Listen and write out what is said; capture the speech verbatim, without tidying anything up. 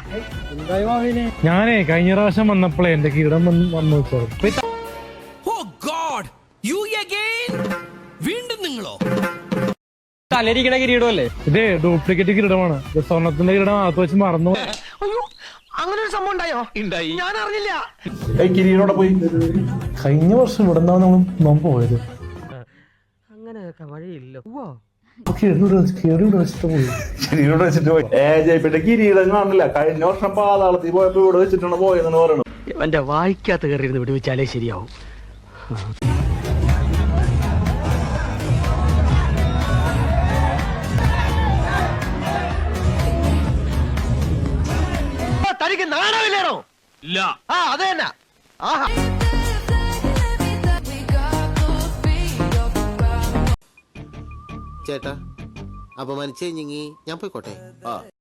ഞാനേ കഴിഞ്ഞ പ്രാവശ്യം വന്നപ്പോഴേ എന്റെ കിരീടം വന്ന് വന്നു വെച്ചോ. വീണ്ടും നിങ്ങളോ? തലരിക്കണ കിരീടമല്ലേ ഇതേ ഡ്യൂപ്ലിക്കേറ്റ് കിരീടമാണ്. സ്വർണത്തിന്റെ കിരീടം അകത്ത് വെച്ച് മറന്നു. അങ്ങനെ ഒരു സംഭവം ഉണ്ടായോ? ഉണ്ടായി, ഞാൻ അറിഞ്ഞില്ല. കിരീടോടെ പോയി. കഴിഞ്ഞ വർഷം ഇവിടെ നിന്നാണ് നമ്മൾ നാം പോയത്. അങ്ങനെയൊക്കെ വഴിയില്ല. കിരീടം വെച്ചിട്ട് പോയി. കിരീടോടെ വെച്ചിട്ട് പോയി. ഏ ജയിപ്പിന്റെ കിരീടം കാണില്ല. കഴിഞ്ഞ വർഷം പാതാളത്തിൽ പോയപ്പോ ഇവിടെ വെച്ചിട്ടാണ് പോയെന്ന് പറയണു. എന്റെ വായിക്കാത്ത കയറിയിരുന്ന് വിടുവിച്ചാലേ ശരിയാവും. തനിക്ക് നാണമില്ലേണോ? ഇല്ല. ആ അത് തന്നെ. ആഹാ, ചേട്ടാ അപമാനിച്ചേ ഞാൻ പോയിക്കോട്ടെ.